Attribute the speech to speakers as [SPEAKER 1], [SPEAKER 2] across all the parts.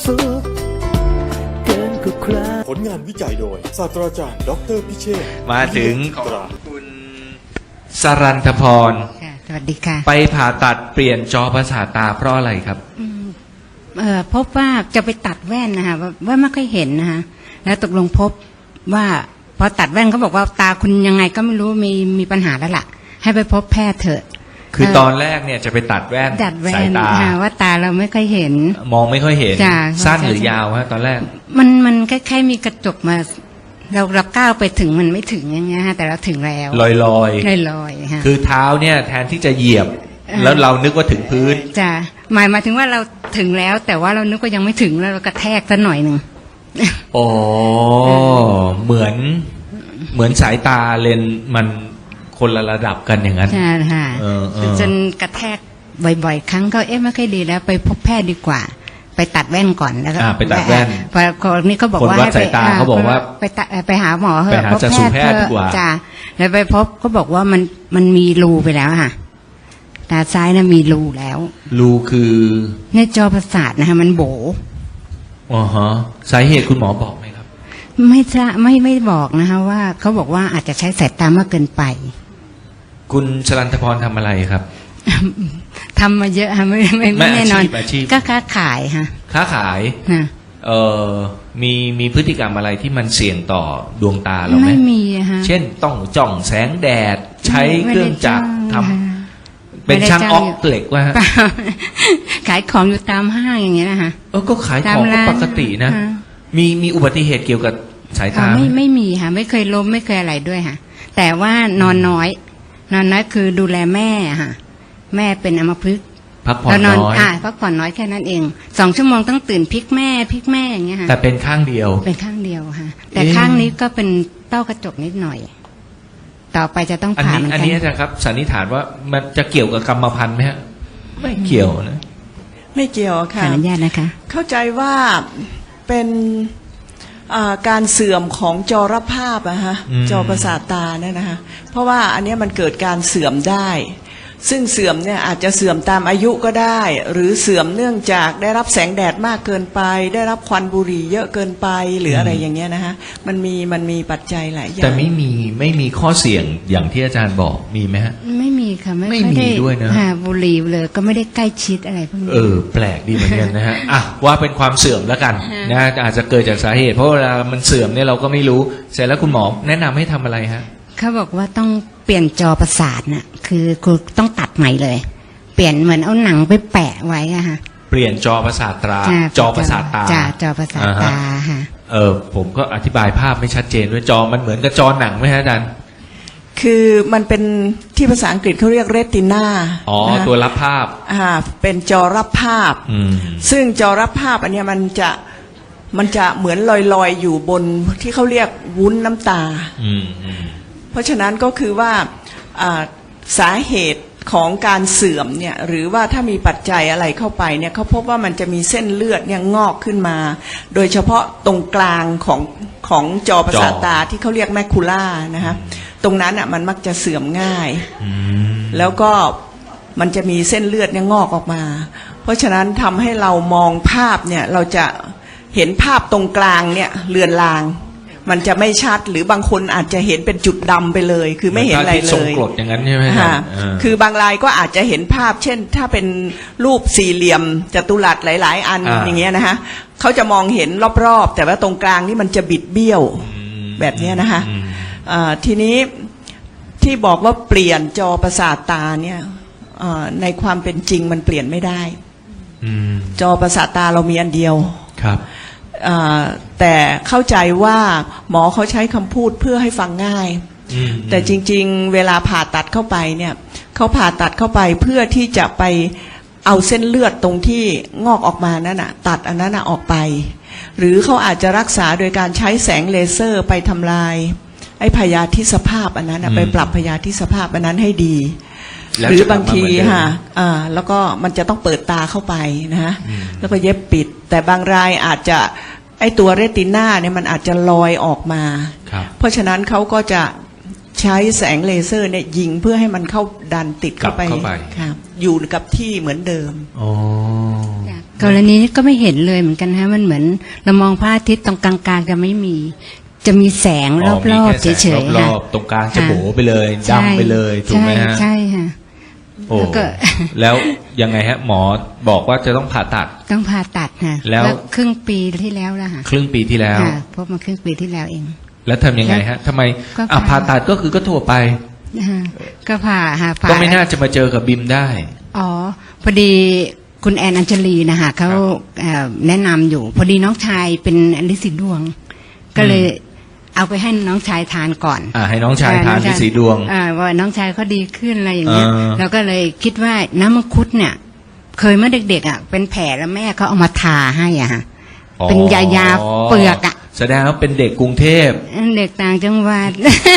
[SPEAKER 1] สุขเกินกว่าใคร
[SPEAKER 2] ผลงานวิจัยโดยศาสตราจารย์ดออเตอร์พิเชษฐ์
[SPEAKER 3] มาถึงของ
[SPEAKER 2] ตรา
[SPEAKER 3] คุณสรันทพร
[SPEAKER 4] ค่ะสวัสดีค่ะ
[SPEAKER 3] ไปผ่าตัดเปลี่ยนจอประสาทตาเพราะอะไรครับ
[SPEAKER 4] พบว่าจะไปตัดแว่นนะคะว่าไม่ค่อยเห็นนะคะแล้วตกลงพบว่าพอตัดแว่นเขาบอกว่าตาคุณยังไงก็ไม่รู้มีปัญหาแล้วล่ะให้ไปพบแพทย์เถอะ
[SPEAKER 3] คือตอนแรกเนี่ยจะไปตัดแว่น
[SPEAKER 4] ดัดแว่
[SPEAKER 3] สาย
[SPEAKER 4] น
[SPEAKER 3] ตา
[SPEAKER 4] ค่ะว่าตาเราไม่ค่อยเห็น
[SPEAKER 3] มองไม่ค่อยเห็น
[SPEAKER 4] จ้ะ
[SPEAKER 3] สั้นหรือยาวฮะตอนแรก
[SPEAKER 4] มันคล้ายๆมีกระจกมาเราก้าวไปถึงมันไม่ถึงอย่างเงี้ยฮะแต่เราถึงแล้ว
[SPEAKER 3] ลอย
[SPEAKER 4] ลอยๆค่ะ
[SPEAKER 3] ๆคือเท้าเนี่ยแทนที่จะเหยียบ แล้วเรานึกว่าถึงพื้น
[SPEAKER 4] จ้ะหมายถึงว่าเราถึงแล้ว แต่ว่าเรานึกว่ายังไม่ถึงแล้วเรากระแทกซะหน่อยหนึ่ง
[SPEAKER 3] อ๋อเหมือนสายตาเลนส์มันคนละระดับกันอย่างนั้น
[SPEAKER 4] ใช่ค่ะ
[SPEAKER 3] เออ
[SPEAKER 4] จนกระแทกบ่อยๆ ครั้งก็ไม่ค่อยดีแล้วไปพบแพทย์ดีกว่า ไปตัดแว่นก่อนแล้วก็
[SPEAKER 3] ไปตัดแว่น
[SPEAKER 4] พอคนนี้เขาบอก
[SPEAKER 3] คน
[SPEAKER 4] ว่า
[SPEAKER 3] วัดสายตาเขาบอกว่า
[SPEAKER 4] ไปหาหมอเถ
[SPEAKER 3] ไป
[SPEAKER 4] อะ
[SPEAKER 3] หา
[SPEAKER 4] พบ
[SPEAKER 3] จักษุแพทย์ดีกว่า
[SPEAKER 4] จ้ะแล้วไปพบก็บอกว่ามันมีรูไปแล้วค่ะตาซ้ายน่ะมีรูแล้ว
[SPEAKER 3] รูคือ
[SPEAKER 4] ในจอประสาทนะคะมันโบ
[SPEAKER 3] อ๋อฮะสาเหตุคุณหมอบอกไหมครับ
[SPEAKER 4] ไม่ทราบไม่บอกนะคะว่าเขาบอกว่าอาจจะใช้สายตามากเกินไป
[SPEAKER 3] คุณชลันทพรทำอะไรครับ
[SPEAKER 4] ทำมาเยอะค่ะไม่แน่นอน
[SPEAKER 3] อาชีพ
[SPEAKER 4] ก็ค้าขายค่ะ
[SPEAKER 3] ค้าขาย
[SPEAKER 4] นะ
[SPEAKER 3] มีพฤติกรรมอะไรที่มันเสี่ยงต่อดวงตาเราไหม
[SPEAKER 4] ไม่มีอะฮะ
[SPEAKER 3] เช่นต้องจ้องแสงแดดใช้เครื่องจักรทำ
[SPEAKER 4] ไม่
[SPEAKER 3] เป็น
[SPEAKER 4] ได้
[SPEAKER 3] ช่าง
[SPEAKER 4] จ้าง
[SPEAKER 3] ออกเหล็กว่าฮะ
[SPEAKER 4] เปล่า ขายของอยู่ตามห้างอย่างเงี้ยนะคะ
[SPEAKER 3] ก็ขายของก็ปกตินะ
[SPEAKER 4] ฮ
[SPEAKER 3] มีอุบัติเหตุเกี่ยวกับสายตาไหม
[SPEAKER 4] ไม่มีค่ะไม่เคยล้มไม่เคยอะไรด้วยค่ะ แต่ว่านอนน้อยคือดูแลแม่ค่ะ แม่เป็นอัมพฤกษ์
[SPEAKER 3] พักผ่อน
[SPEAKER 4] เรา
[SPEAKER 3] น้อย
[SPEAKER 4] พักผ่อนน้อยแค่นั้นเอง2 ชั่วโมงต้องตื่นพลิกแม่อย่างเงี้ยค่ะ
[SPEAKER 3] แต่เป็นข้างเดียว
[SPEAKER 4] เป็นข้างเดียวค่ะ แต่
[SPEAKER 3] เอ๊ะ
[SPEAKER 4] ข้างนี้ก็เป็นเต้ากระจกนิดหน่อย ต่อไปจะต้องผ่าเหมือน
[SPEAKER 3] อัน
[SPEAKER 4] กัน
[SPEAKER 3] นี้นะครับสันนิษฐานว่ามันจะเกี่ยวกับกรรมพันธุ์ไหมฮะไม่เกี่ยวนะ
[SPEAKER 5] ไม่เกี่ยว
[SPEAKER 4] ขอ
[SPEAKER 5] ค่ะ
[SPEAKER 4] อนุญาตนะคะ
[SPEAKER 5] เข้าใจว่าเป็นการเสื่อมของจอรภาพอะฮะจอประสาทตาเนี่ยนะคะเพราะว่าอันเนี้ยมันเกิดการเสื่อมได้ ซึ่งเสื่อมเนี่ยอาจจะเสื่อมตามอายุก็ได้ หรือเสื่อมเนื่องจากได้รับแสงแดดมากเกินไป ได้รับควันบุหรี่เยอะเกินไปหรืออะไรอย่างเงี้ยนะคะมันมีปัจจัยหลายอย่าง
[SPEAKER 3] แต่ไม่มีข้อเสี่ยงอย่างที่อาจารย์บอกมีไหมฮะ
[SPEAKER 4] ไม่มีค่ะไม่
[SPEAKER 3] ไม่
[SPEAKER 4] ค่อ
[SPEAKER 3] มี
[SPEAKER 4] ได้
[SPEAKER 3] ด้วยนะ
[SPEAKER 4] บุหรี่เลยก็ไม่ได้ใกล้ชิดอะไรพวกนี้
[SPEAKER 3] แปลกดีเหมือนกันนะฮะ อ่ะว่าเป็นความเสื่อมแล้วกัน
[SPEAKER 4] ฮะ
[SPEAKER 3] นะอาจจะเกิดจากสาเหตุ เพราะเวลามันเสื่อมเนี่ยเราก็ไม่รู้เสร็จแล้วคุณหมอแนะนำให้ทำอะไรฮะ
[SPEAKER 4] เขาบอกว่าต้องเปลี่ยนจอประสาทน่ะคือต้องตัดใหม่เลย เปลี่ยนเหมือนเอาหนังไปแปะไว้อะค่ะ
[SPEAKER 3] เปลี่ยนจอประสาทตา
[SPEAKER 4] จ้ะ
[SPEAKER 3] จอประสาทตา
[SPEAKER 4] จ้ะจอประสาทตาค่ะ
[SPEAKER 3] ผมก็อธิบายภาพไม่ชัดเจนด้วยจอมันเหมือนกับจอหนังไหมฮะอาจารย์
[SPEAKER 5] คือมันเป็นที่ภาษาอังกฤษเขาเรียกเรตินา
[SPEAKER 3] อ๋อตัวรับภาพ
[SPEAKER 5] เป็นจอรับภาพ ซึ่งจอรับภาพอันเนี้ยมันจะเหมือนลอยๆอยู่บนที่เขาเรียกวุ้นน้ำตา เพราะฉะนั้นก็คือว่าสาเหตุของการเสื่อมเนี่ยหรือว่าถ้ามีปัจจัยอะไรเข้าไปเนี่ยเขาพบว่ามันจะมีเส้นเลือดเนี่ยงอกขึ้นมา โดยเฉพาะตรงกลางของจอประสาทตาที่เขาเรียกแมคคูล่านะคะตรงนั้นอ่ะมันมักจะเสื่อมง่ายแล้วก็มันจะมีเส้นเลือดเนี่ยงอกออกมา เพราะฉะนั้นทำให้เรามองภาพเนี่ยเราจะเห็นภาพตรงกลางเนี่ยเลือนลางมันจะไม่ชัดหรือบางคนอาจจะเห็นเป็นจุดดำไปเลย คือไม่เห็นอะไรเล
[SPEAKER 3] ทรง
[SPEAKER 5] ย
[SPEAKER 3] กรดอย่างนั้นใช่ไหมฮะ
[SPEAKER 5] ค่ะคือบางรายก็อาจจะเห็นภาพ เช่น ถ้าเป็นรูปสี่เหลี่ยมจัตุรัสหลายๆอันอย่างเงี้ยนะคะเขาจะมองเห็นรอบๆแต่ว่าตรงกลางนี่มันจะบิดเบี้ยวแบบเนี้ยนะคะทีนี้ที่บอกว่าเปลี่ยนจอประสาทตาเนี่ยในความเป็นจริงมันเปลี่ยนไม่ได้จอประสาทตาเรามีอันเดียว
[SPEAKER 3] ครับ
[SPEAKER 5] แต่เข้าใจว่าหมอเขาใช้คำพูดเพื่อให้ฟังง่ายแต่จริงๆเวลาผ่าตัดเข้าไปเนี่ยเขาผ่าตัดเข้าไปเพื่อที่จะไปเอาเส้นเลือดตรงที่งอกออกมานั่นน่ะตัดอันนั้นน่ะออกไปหรือเขาอาจจะรักษาโดยการใช้แสงเลเซอร์ไปทำลายไอ้พยาธิสภาพอันนั้นน่ะไปปรับพยาธิสภาพอันนั้นให้ดีหรือบางทีค่ะแล้วก็มันจะต้องเปิดตาเข้าไปนะฮะแล้วก็เย็บปิดแต่บางรายอาจจะไอตัวเรติน่าเนี่ยมันอาจจะลอยออกมาเพราะฉะนั้นเขาก็จะใช้แสงเลเซอร์เนี่ยยิงเพื่อให้มันเข้าดันติดเข้าไปค่ะอยู่กับที่เหมือนเดิม
[SPEAKER 4] กรณีนี้ก็ไม่เห็นเลยเหมือนกันฮะมันเหมือนเรามองพระอาทิตย์ตรงกลางๆจะไม่มีจะมีแสงรอบๆเฉยๆ
[SPEAKER 3] ร
[SPEAKER 4] ค่ะ
[SPEAKER 3] อบๆตรงกลางจะโบไปเลยดำไปเลยถูกไหมฮะ
[SPEAKER 4] ใช่ค่ะ
[SPEAKER 3] โอ้
[SPEAKER 4] แล้วก็
[SPEAKER 3] แล้วยังไงฮะหมอบอกว่าจะต้องผ่าตัด
[SPEAKER 4] ต้องผ่าตัดค่ะ
[SPEAKER 3] แล้ว
[SPEAKER 4] ครึ่งปีที่แล้วแล้วค่ะ
[SPEAKER 3] ครึ่งปีที่แล้ว
[SPEAKER 4] ค่ะพบมาครึ่งปีที่แล้วเอง
[SPEAKER 3] แล้วทำยังไงฮะทำไม
[SPEAKER 4] ก็
[SPEAKER 3] ผ่าตัดก็คือก็ทั่วไป
[SPEAKER 4] นะคะก็ผ่าค่ะผ่า
[SPEAKER 3] ก็ไม่น่าจะมาเจอกับบิมได้
[SPEAKER 4] อ๋อพอดีคุณแอนอัญชลีนะคะเขาแนะนำอยู่ พอดีน้องชายเป็นลิซิดวง ก็เลยเอาไปให้น้องชายทานก่อน
[SPEAKER 3] ให้น้องชายทานที่สีดวง
[SPEAKER 4] ว่าน้องชายเขาดีขึ้นอะไรอย่างเงี้ย
[SPEAKER 3] อ่า
[SPEAKER 4] เราก็เลยคิดว่าน้ำมังคุดเนี่ย เคยเมื่อเด็กๆเป็นแผลแล้วแม่เขาเอามาทาให้อ่ะฮะเป็นยาเปลือก
[SPEAKER 3] แสดงว่าเป็นเด็กกรุงเทพ
[SPEAKER 4] เด็กต่างจังหวัด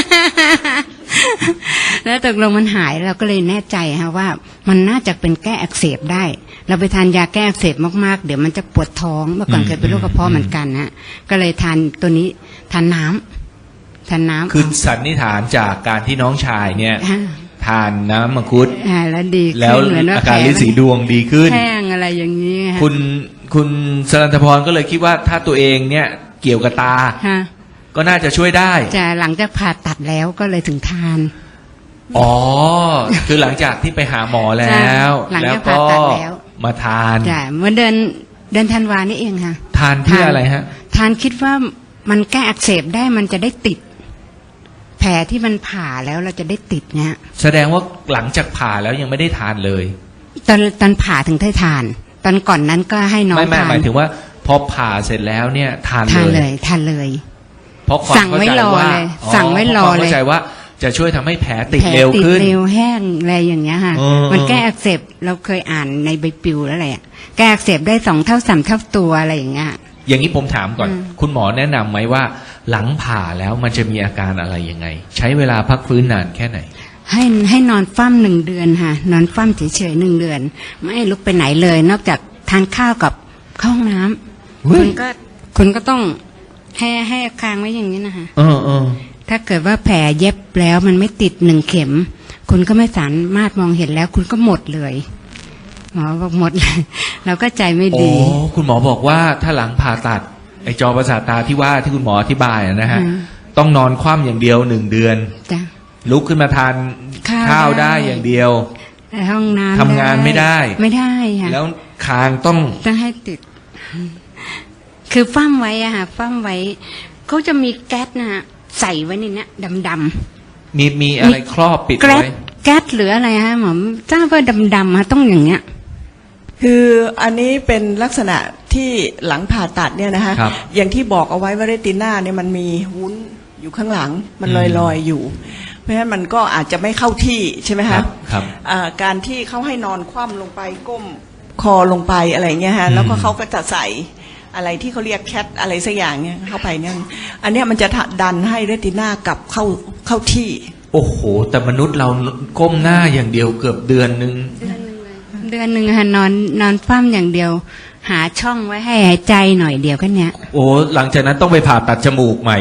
[SPEAKER 4] แล้วตกลงมันหายเราก็เลยแน่ใจฮะว่ามันน่าจะเป็นแก้อักเสบได้ เราไปทานยาแก้อักเสบมากๆเดี๋ยวมันจะปวดท้องเมื่อก่อนเคยเป็นโรคกระเพาะเหมือนกันฮะก็เลยทานตัวนี้ทานน้ำ
[SPEAKER 3] คือสันนิษฐานจากการที่น้องชายเนี่ย
[SPEAKER 4] อ่า
[SPEAKER 3] ทานน้ำมังคุด
[SPEAKER 4] แล้วดีขึ้น
[SPEAKER 3] แล้ว
[SPEAKER 4] เหมือนว่า
[SPEAKER 3] อาการลิ้นสีดวงดีขึ้น
[SPEAKER 4] แห้งอะไรอย่างนี้ฮะ
[SPEAKER 3] คุณสรัญพรก็เลยคิดว่าถ้าตัวเองเนี่ยเกี่ยวกับตา
[SPEAKER 4] ฮะ
[SPEAKER 3] ก็น่าจะช่วยได้
[SPEAKER 4] จะหลังจากผ่าตัดแล้วก็เลยถึงทาน
[SPEAKER 3] อ๋อ คือหลังจากที่ไปหาหมอแล้ว
[SPEAKER 4] หลัง
[SPEAKER 3] แล้ว
[SPEAKER 4] จาก
[SPEAKER 3] ก็
[SPEAKER 4] ผ่าตัดแล้ว
[SPEAKER 3] มาทาน
[SPEAKER 4] จ้ะเมื่อเดือนธันวานี่เองค่ะ
[SPEAKER 3] ทานเพื่ออะไรฮะ
[SPEAKER 4] ทานคิดว่ามันแก้อักเสบได้มันจะได้ติด แผลที่มันผ่าแล้วเราจะได้ติดเนี่ย
[SPEAKER 3] แสดงว่าหลังจากผ่าแล้วยังไม่ได้ทานเลย
[SPEAKER 4] ตอนผ่าถึงได้ทาน ตอนก่อนนั้นก็ให้น้อง
[SPEAKER 3] ไม่
[SPEAKER 4] ทาน
[SPEAKER 3] หมายถึงว่าพอผ่าเสร็จแล้วเนี่ยทาน
[SPEAKER 4] ทาน
[SPEAKER 3] เล
[SPEAKER 4] เลย ยทานเลย
[SPEAKER 3] เพราะความ
[SPEAKER 4] สั่งไว้
[SPEAKER 3] เข้าใจ
[SPEAKER 4] รอ
[SPEAKER 3] ว่า
[SPEAKER 4] เลยสั่งไว้รอ
[SPEAKER 3] พาะความ
[SPEAKER 4] เลย
[SPEAKER 3] เข้าใจว่าจะช่วยทำให้แผลติด
[SPEAKER 4] แผล
[SPEAKER 3] เร็ว
[SPEAKER 4] ติด
[SPEAKER 3] ขึ้น
[SPEAKER 4] เร็วแห้งอะไรอย่างเงี้ยค่ะ
[SPEAKER 3] เออ
[SPEAKER 4] มันแก้อักเสบเราเคยอ่านในใบปลิวแล้วแหละแก้อักเสบได้2 เท่า 3 เท่าตัวอะไรอย่างเงี้ย
[SPEAKER 3] อย่างนี้ผมถามก่อน
[SPEAKER 4] อืม
[SPEAKER 3] คุณหมอแนะนำไหมว่า หลังผ่าแล้วมันจะมีอาการอะไรยังไง ใช้เวลาพักฟื้นนานแค่ไหน
[SPEAKER 4] ให้นอนฟั่ม1 เดือนค่ะ นอนฟั่มเฉยๆ1 เดือน ไม่ให้ลุกไปไหนเลย นอกจากทานข้าวกับเข้าห้องน้ำ
[SPEAKER 3] เฮ้ย
[SPEAKER 4] คุณก็ต้องให้คางไว้อย่างนี้นะคะ
[SPEAKER 3] เออ
[SPEAKER 4] ถ้าเกิดว่าแผลเย็บแล้วมันไม่ติด1 เข็ม คุณก็ไม่สามารถมองเห็นแล้ว คุณก็หมดเลยหมอบอกหมดเลย เราก็ใจไม่
[SPEAKER 3] โอ้
[SPEAKER 4] ดี
[SPEAKER 3] คุณหมอบอกว่าถ้าหลังผ่าตัดไอจอประสาทตาที่ว่าที่คุณหมออธิบายนะฮะ
[SPEAKER 4] อืม
[SPEAKER 3] ต้องนอนคว่ำอย่างเดียว1 เดือน
[SPEAKER 4] จ้ะ
[SPEAKER 3] ลุกขึ้นมาทาน
[SPEAKER 4] ข้าว
[SPEAKER 3] ได้
[SPEAKER 4] ได้
[SPEAKER 3] อย่างเดียว
[SPEAKER 4] แต่ห้องน้ำ
[SPEAKER 3] ทำงานไม่ได้
[SPEAKER 4] ไม่ได้ค่ะ
[SPEAKER 3] แล้วคางต้อง
[SPEAKER 4] ต้องให้ติด คือฟั่มไว้อะค่ะฟั่มไว้เขาจะมีแก๊สนะฮะใส่ไว้ในเนี้ยดำ
[SPEAKER 3] มีอะไรครอบปิด
[SPEAKER 4] ๆแก๊ส
[SPEAKER 3] ไว้
[SPEAKER 4] แก๊สหรืออะไรฮะหมอทราบว่าดำๆฮะต้องอย่างเงี้ย
[SPEAKER 5] คืออันนี้เป็นลักษณะที่หลังผ่าตัดเนี่ยนะคะ
[SPEAKER 3] ครับ
[SPEAKER 5] อย่างที่บอกเอาไว้ว่าเรติน่าเนี่ยมันมีวุ้นอยู่ข้างหลังมันลอยๆอยู่ เพราะฉะนั้นมันก็อาจจะไม่เข้าที่ใช่ไหม
[SPEAKER 3] ครั
[SPEAKER 5] คะ
[SPEAKER 3] บครับ
[SPEAKER 5] การที่เขาให้นอนคว่ำลงไปก้มคอลงไปอะไรเงี้ยฮะ
[SPEAKER 3] อืม
[SPEAKER 5] แล้วก็เขาก็จะใส่อะไรที่เขาเรียกแคทอะไรสักอย่างเนี่ยเข้าไปเนี่ยอันเนี้ยมันจะดันให้เรติน่ากลับเข้าที่
[SPEAKER 3] โอ้โห แต่มนุษย์เราก้มหน้าอย่างเดียวเกือบเดือนนึง
[SPEAKER 4] เดือนหนึ่งค่ะนอนฟั่มอย่างเดียว หาช่องไว้ให้หายใจหน่อยเดียวแค่เนี้ย
[SPEAKER 3] โอ้หลังจากนั้นต้องไปผ่าตัดจมูกใหม่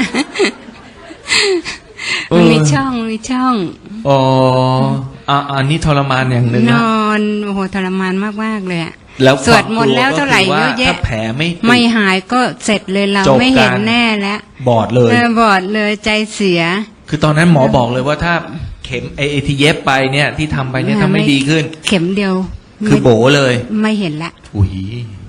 [SPEAKER 4] มันมีช่อง
[SPEAKER 3] อ๋ออันนี้ทรมานอย่างหนึ่ง
[SPEAKER 4] น
[SPEAKER 3] นะ
[SPEAKER 4] อนโอ้โหทรมานมากๆเลยอะ
[SPEAKER 3] แล้ว
[SPEAKER 4] สวดมนต์แล้วเท่าไหร่เยอะแยะ
[SPEAKER 3] ถ้าแผลไม่ติด
[SPEAKER 4] ไม่หายก็เสร็จเลยเรา
[SPEAKER 3] จบ
[SPEAKER 4] ไม่เห็น
[SPEAKER 3] การ
[SPEAKER 4] แน่แล้ว
[SPEAKER 3] บอดเลย
[SPEAKER 4] บอดเลยใจเสีย
[SPEAKER 3] คือตอนนั้นหมอบอกเลยว่าถ้าเข็มไอที่เย็บไปเนี่ยที่ทำไปเนี่ยถ้าไม่ดีขึ้น
[SPEAKER 4] เข็มเดียว
[SPEAKER 3] คือโบเลย
[SPEAKER 4] ไม่เห็นละ
[SPEAKER 3] อุ้ย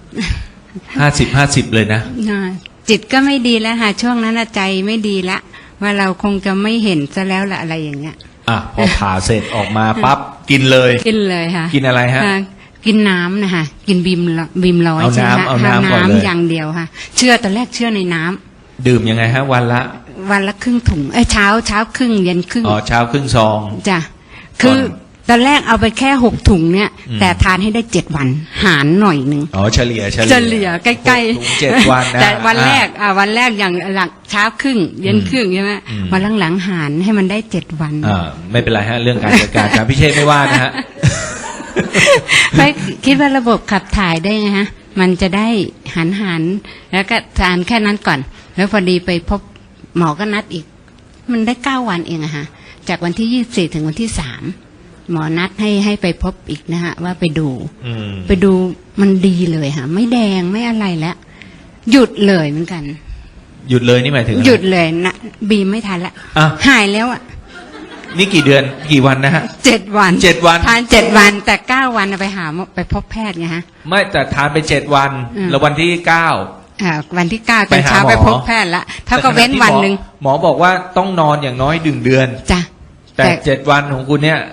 [SPEAKER 3] 50-50เลยนะ
[SPEAKER 4] จิตก็ไม่ดีแล้วค่ะช่วงนั้นน่ะใจไม่ดีละว่าเราคงจะไม่เห็นซะแล้วละอะไรอย่างเงี้ย
[SPEAKER 3] พอผ่าเสร็จออกมาปั๊บกินเลย
[SPEAKER 4] กินเลยค่ะ
[SPEAKER 3] กินอะไรฮะ
[SPEAKER 4] กินน้ำนะคะกินบีมร้อย
[SPEAKER 3] เอา
[SPEAKER 4] ใช่ไหม
[SPEAKER 3] น้ำเอาน้ำก่อนเลย
[SPEAKER 4] อย่างเดียวค่ะตอนแรกเชื่อในน้ำ
[SPEAKER 3] ดื่มยังไงฮะ วันละ
[SPEAKER 4] ครึ่งถุงเช้าครึ่งเย็นครึ่ง
[SPEAKER 3] เช้าครึ่งซอง
[SPEAKER 4] จ้ะคือตอนแรกเอาไปแค่6 ถุงเนี่ย
[SPEAKER 3] อืม
[SPEAKER 4] แต่ทานให้ได้7 วันหารหน่อยหนึ่ง
[SPEAKER 3] เฉลี่ย
[SPEAKER 4] ใกล้
[SPEAKER 3] ถุง7 วันนะ
[SPEAKER 4] แต่วันแรกอย่างหลังเช้าครึ่งเย็นครึ่งใช่ไหม
[SPEAKER 3] อืม
[SPEAKER 4] วันหลังๆหารให้มันได้7 วัน
[SPEAKER 3] ไม่เป็นไรฮะ เรื่องการจัดการอาจารย์พิเชษไม่ว่านะฮะ
[SPEAKER 4] ไม่คิดว่าระบบขับถ่ายได้ไงฮะ มันจะได้หันแล้วก็ทานแค่นั้นก่อน แล้วพอดีไปพบหมอก็นัดอีก มันได้9 วันเองอะฮะจากวันที่24ถึงวันที่3 หมอนัดให้ไปพบอีกนะฮะว่าไปดู
[SPEAKER 3] อืม
[SPEAKER 4] ไปดูมันดีเลยค่ะไม่แดงไม่อะไรแล้วหยุดเลยเหมือนกัน
[SPEAKER 3] หยุดเลยนี่หมายถึงอะไร
[SPEAKER 4] หยุดเลยนะบีมไม่ทันละ
[SPEAKER 3] อ่ะ
[SPEAKER 4] หายแล้วอ่ะ
[SPEAKER 3] นี่กี่เดือนกี่วันนะฮะ
[SPEAKER 4] 7 วัน
[SPEAKER 3] 7 วัน
[SPEAKER 4] ทาน7 วันแต่9 วันไปหาไปพบแพทย์ไงฮะ
[SPEAKER 3] ไม่แต่ทานไป7 วัน
[SPEAKER 4] อืม
[SPEAKER 3] แล้ววันที่
[SPEAKER 4] วันที่9ต
[SPEAKER 3] ไป
[SPEAKER 4] อน
[SPEAKER 3] หา
[SPEAKER 4] เช้า
[SPEAKER 3] หมอ
[SPEAKER 4] ไปพบแพทย์ละ
[SPEAKER 3] 9
[SPEAKER 4] เท่ากับเว้นวันหนึ่ง
[SPEAKER 3] หมอบอกว่าต้องนอนอย่างน้อย1 เดือน
[SPEAKER 4] จ้ะ
[SPEAKER 3] แต่7 วันของคุณเนี่ย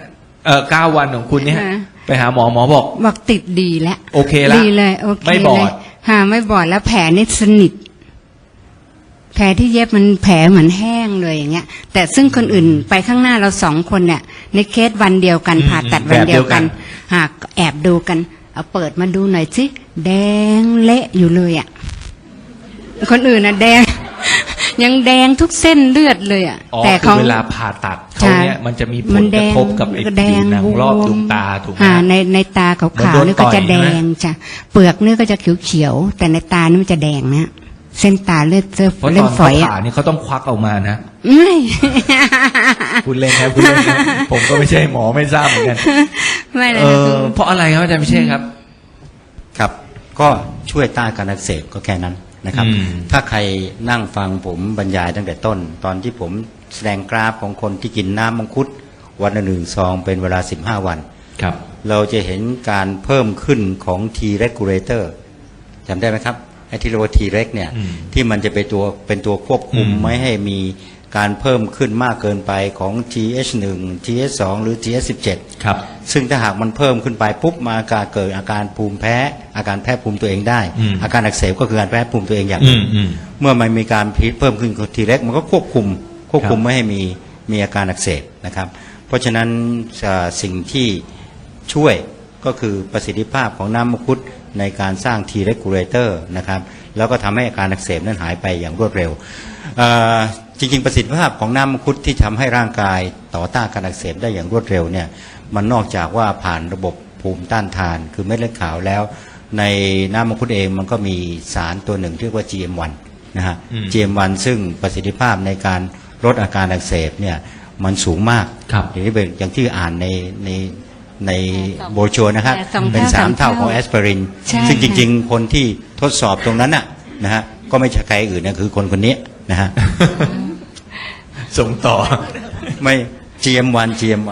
[SPEAKER 3] 9 วันของคุณเนี่ย
[SPEAKER 4] ฮะ
[SPEAKER 3] ไปหาหมอบอก
[SPEAKER 4] บอกติดดีแล้ว
[SPEAKER 3] โอเคละ
[SPEAKER 4] ดีเลยโอเค
[SPEAKER 3] ไม่บอด
[SPEAKER 4] เลยไม่บอดแล้วแผลนี่สนิทแผลที่เย็บมันแผลเหมือนแห้งเลยอย่างเงี้ย แต่ซึ่งคนอื่นไปข้างหน้าเรา2 คนเนี่ยในเคสวันเดียวกันผ่าตัดวันเดียวกันหากแอบดูกันเอาเปิดมาดูหน่อยสิแดงเละอยู่เลยอ่ะคนอื่นน่ะแดง ยังแดงทุกเส้นเลือดเลยอ่ะ
[SPEAKER 3] อ๋อ
[SPEAKER 4] แต่
[SPEAKER 3] คื
[SPEAKER 4] เขา
[SPEAKER 3] อเวลาผ่าตัดเขาเนี่ยมันจะมีผลกระทบกับไอ้
[SPEAKER 4] แด
[SPEAKER 3] ผิว
[SPEAKER 4] ง
[SPEAKER 3] หนังรอบดวงตาถูกไหม
[SPEAKER 4] ในตาขาว
[SPEAKER 3] เหมือนโด
[SPEAKER 4] ๆ
[SPEAKER 3] น
[SPEAKER 4] นี่ก็จะ
[SPEAKER 3] ต่
[SPEAKER 4] แด
[SPEAKER 3] อยใช่
[SPEAKER 4] ง
[SPEAKER 3] ไหม
[SPEAKER 4] จ้ะเปลือกนี่ก็จะเขียวๆแต่ในตานี่มันจะแดงนะเส้นตาเลือด
[SPEAKER 3] เพราะต
[SPEAKER 4] เล่
[SPEAKER 3] อน
[SPEAKER 4] นฝ
[SPEAKER 3] เขา
[SPEAKER 4] อย
[SPEAKER 3] ผ่า
[SPEAKER 4] อ่ะ
[SPEAKER 3] นี่เขาต้องควักออกมานะ
[SPEAKER 4] ไม่
[SPEAKER 3] พูดเล่นนะพูดเล่นนะผมก็ไม่ใช่หมอไม่ทราบเหมือนกัน
[SPEAKER 4] ไม่เลยนะคือ
[SPEAKER 3] เพราะอะไรครับอาจารย์พิเชษครับ
[SPEAKER 6] ครับก็ช่วยต้านการอักเสบก็แค่นั้นนะครับ
[SPEAKER 3] อืม
[SPEAKER 6] ถ้าใครนั่งฟังผมบรรยายตั้งแต่ต้น ตอนที่ผมแสดงกราฟของคนที่กินน้ำมังคุดวันละ1 ซองเป็นเวลา15 วัน
[SPEAKER 3] ครับ
[SPEAKER 6] เราจะเห็นการเพิ่มขึ้นของ T regulator จำได้ไหมครับไอ้ที่เรียกว่า T reg เนี่ย
[SPEAKER 3] อืม
[SPEAKER 6] ที่มันจะเป็นตัวควบคุม
[SPEAKER 3] อืม
[SPEAKER 6] ไม่ให้มีการเพิ่มขึ้นมากเกินไปของ TH1 TH2 หรือ TH17
[SPEAKER 3] ครับ
[SPEAKER 6] ซึ่งถ้าหากมันเพิ่มขึ้นไปปุ๊บมาเกิดอาการภูมิแพ้อาการแพ้ภูมิตัวเองได้
[SPEAKER 3] อืม
[SPEAKER 6] อาการอักเสบก็คือการแพ้ภูมิตัวเองอย่างห
[SPEAKER 3] อื
[SPEAKER 6] นึ่ง
[SPEAKER 3] ม
[SPEAKER 6] เมื่อมันมีการพิษเพิ่มขึ้นของทีเล็กมันก็ควบคุม
[SPEAKER 3] ครับ
[SPEAKER 6] ไม่ให้มีอาการอักเสบนะครับ เพราะฉะนั้นสิ่งที่ช่วยก็คือประสิทธิภาพของน้ำมังคุดในการสร้าง T regulator นะครับแล้วก็ทำให้อาการอักเสบนั้นหายไปอย่างรวดเร็วจริงๆประสิทธิภาพของน้ำมังคุดที่ทำให้ร่างกายต่อต้านการอักเสบได้อย่างรวดเร็วเนี่ยมันนอกจากว่าผ่านระบบภูมิต้านทานคือเม็ดเลือดขาวแล้ว ในน้ำมังคุดเองมันก็มีสารตัวหนึ่งที่เรียกว่า GM1 นะฮะ
[SPEAKER 3] อืม
[SPEAKER 6] GM1 ซึ่งประสิทธิภาพในการลดอาการอักเสบเนี่ยมันสูงมาก
[SPEAKER 3] ครับ
[SPEAKER 6] อย่างที่อ่านในโบรชัวร์นะครับ
[SPEAKER 4] สองเท่า
[SPEAKER 6] เป็น
[SPEAKER 4] สาม
[SPEAKER 6] 3 เท่า
[SPEAKER 4] เท่า
[SPEAKER 6] ของแอสไพริน
[SPEAKER 4] ใช่
[SPEAKER 6] ซึ่งจ
[SPEAKER 4] ค่ะ
[SPEAKER 6] ริงๆ คนที่ทดสอบตรงนั้นน่ะนะฮะก็ไม่ใช่ใครอื่นนะคือคนนี้นะฮะ
[SPEAKER 3] ส่งต่อ
[SPEAKER 6] ไม่ GM1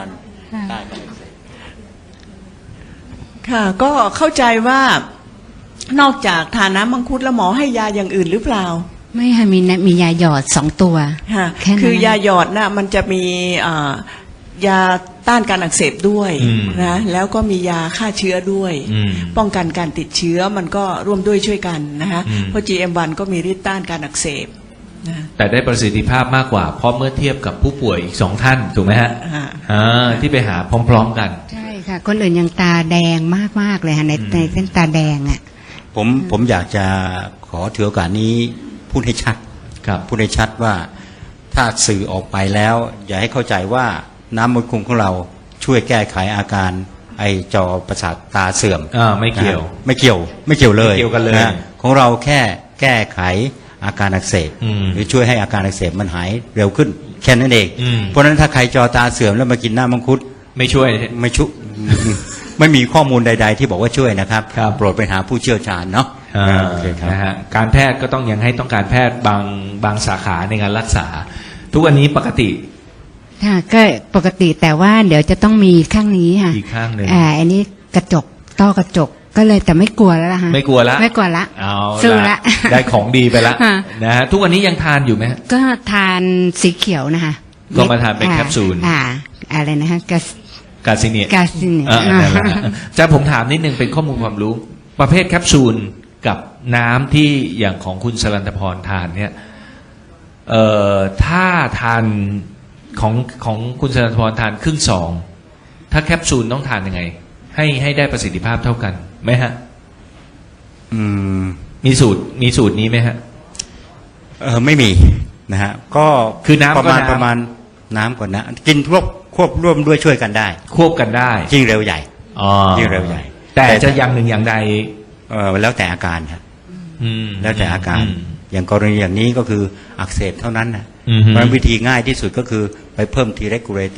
[SPEAKER 5] ค่ะก็เข้าใจว่านอกจากทานน้ำมังคุดแล้วหมอให้ยาอย่างอื่นหรือเปล่า
[SPEAKER 4] ไม่ค่ะมียาหยอด2 ตัว
[SPEAKER 5] ค่ะ
[SPEAKER 4] แค่นั้น
[SPEAKER 5] คือยาหยอดน่ะมันจะมียาต้านการอักเสบด้วย
[SPEAKER 3] อืม
[SPEAKER 5] นะแล้วก็มียาฆ่าเชื้อด้วย
[SPEAKER 3] อืม
[SPEAKER 5] ป้องกันการติดเชื้อมันก็ร่วมด้วยช่วยกันนะคะ
[SPEAKER 3] อืม
[SPEAKER 5] เพราะ GM1 ก็มีฤทธิ์ต้านการอักเสบนะ
[SPEAKER 3] แต่ได้ประสิทธิภาพมากกว่า เพราะเมื่อเทียบกับผู้ป่วยอีก2 ท่านถูกไหมฮะ ที่ไปหาพร้อมๆกัน
[SPEAKER 4] ใช่ค่ะ คนอื่นยังตาแดงมากๆเลยค่ะในเส้นตาแดงอ่ะ
[SPEAKER 6] ผมอยากจะขอถือโอกาสนี้พูดให้ชัด
[SPEAKER 3] ครับ
[SPEAKER 6] พูดให้ชัดว่าถ้าสื่อออกไปแล้ว อย่าให้เข้าใจว่าน้ำมังคุดของเราช่วยแก้ไขอาการไอจอประสาทตาเสื่อม
[SPEAKER 3] ไม่เกี่ยว
[SPEAKER 6] นะฮะไม่เกี่ยวเลย
[SPEAKER 3] ไม่เกี่ยวกันเลย
[SPEAKER 6] ะของเราแค่แก้ไขอาการอักเสบ
[SPEAKER 3] อืม
[SPEAKER 6] หรือช่วยให้อาการอักเสบมันหายเร็วขึ้นแค่นั้นเอง
[SPEAKER 3] อืม
[SPEAKER 6] เพราะฉะนั้นถ้าใครจอตาเสื่อมแล้วมากินน้ำมังคุด
[SPEAKER 3] ไม่ช่วย
[SPEAKER 6] ไม่ชุ ไม่มีข้อมูลใด ๆ ที่บอกว่าช่วยนะครับ
[SPEAKER 3] ครับ
[SPEAKER 6] โปรดไปหาผู้เชี่ยวชาญเนาะโอเคครับ
[SPEAKER 3] นะฮะการแพทย์ก็ต้องยังให้ต้องการแพทย์บางสาขาในการรักษา ทุกวันนี้ปกติ
[SPEAKER 4] ค่ะก็ปกติแต่ว่าเดี๋ยวจะต้องมีข้างนี้ค่ะ
[SPEAKER 3] อีกข้างหนึ่ง
[SPEAKER 4] อันนี้กระจกต้อกระจกก็เลยแต่ไม่กลัวแล้วล่ะฮะ
[SPEAKER 3] ไม่กลัวละ
[SPEAKER 4] ไม่กลัวละ
[SPEAKER 3] เอา
[SPEAKER 4] สู้ละ
[SPEAKER 3] ได้ของดีไปละ
[SPEAKER 4] ค่ะ
[SPEAKER 3] นะฮะทุกวันนี้ยังทานอยู่ไหมฮะ
[SPEAKER 4] ก็ทานสีเขียวนะคะ
[SPEAKER 3] ก็มาทานเป็นแคปซูล
[SPEAKER 4] อะไรนะคะ
[SPEAKER 3] กาซิเนีย
[SPEAKER 4] กาซิเนีย
[SPEAKER 3] นั่นแหละจะผมถามนิดนึงเป็นข้อมูลความรู้ ประเภทแคปซูลกับน้ำที่อย่างของคุณสรันตพรทานเนี่ยถ้าทานของคุณสรันตพรทานครึ่งซองถ้าแคปซูลต้องทานยังไง ให้ได้ประสิทธิภาพเท่ากันไหมฮะ
[SPEAKER 6] อืม
[SPEAKER 3] มีสูตรนี้ไหมฮะ
[SPEAKER 6] ไม่มีนะฮะก็
[SPEAKER 3] คือน้ำก็
[SPEAKER 6] ประมาณน้ำก่อนนะกินควบร่วมด้วยช่วยกันได้
[SPEAKER 3] ควบกันได้
[SPEAKER 6] ยิ่งเร็วใหญ่
[SPEAKER 3] อ๋อ
[SPEAKER 6] ยิ่งเร็วใหญ่
[SPEAKER 3] แต่จะอย่างหนึ่งอย่างใด
[SPEAKER 6] แล้วแต่อาการครับ
[SPEAKER 3] อืม
[SPEAKER 6] แล้วแต่อาการ
[SPEAKER 3] อืม
[SPEAKER 6] อย่างกรณีอย่างนี้ก็คืออักเสบเท่านั้นนะ
[SPEAKER 3] อืม
[SPEAKER 6] เพราะฉะนั้นวิธีง่ายที่สุดก็คือไปเพิ่ม T regulator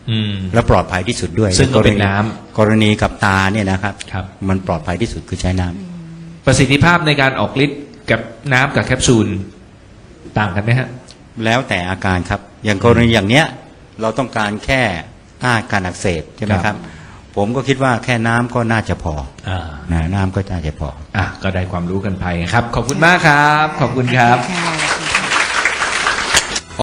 [SPEAKER 6] และปลอดภัยที่สุดด้วย
[SPEAKER 3] ซึ่งก็เป็นน้ำ
[SPEAKER 6] กรณีกับตาเนี่ยนะครับ
[SPEAKER 3] ครับ
[SPEAKER 6] มันปลอดภัยที่สุดคือใช้น้ำ
[SPEAKER 3] ประสิทธิภาพในการออกฤทธิ์กับน้ำกับแคปซูลต่างกันไหมฮะ
[SPEAKER 6] แล้วแต่อาการครับอย่างกรณีอย่างเนี้ยเราต้องการแค่ต้านการอักเสบใช่ไหม
[SPEAKER 3] ค
[SPEAKER 6] ค
[SPEAKER 3] รั
[SPEAKER 6] รับ บผมก็คิดว่าแค่น้ำก็น่าจะพอ
[SPEAKER 3] อ่า
[SPEAKER 6] นะน้ำก็น่าจะพอ
[SPEAKER 3] ก็ได้ความรู้กันไปครับ ขอบคุณมากครับ ขอบคุณครับ
[SPEAKER 4] ค่ะ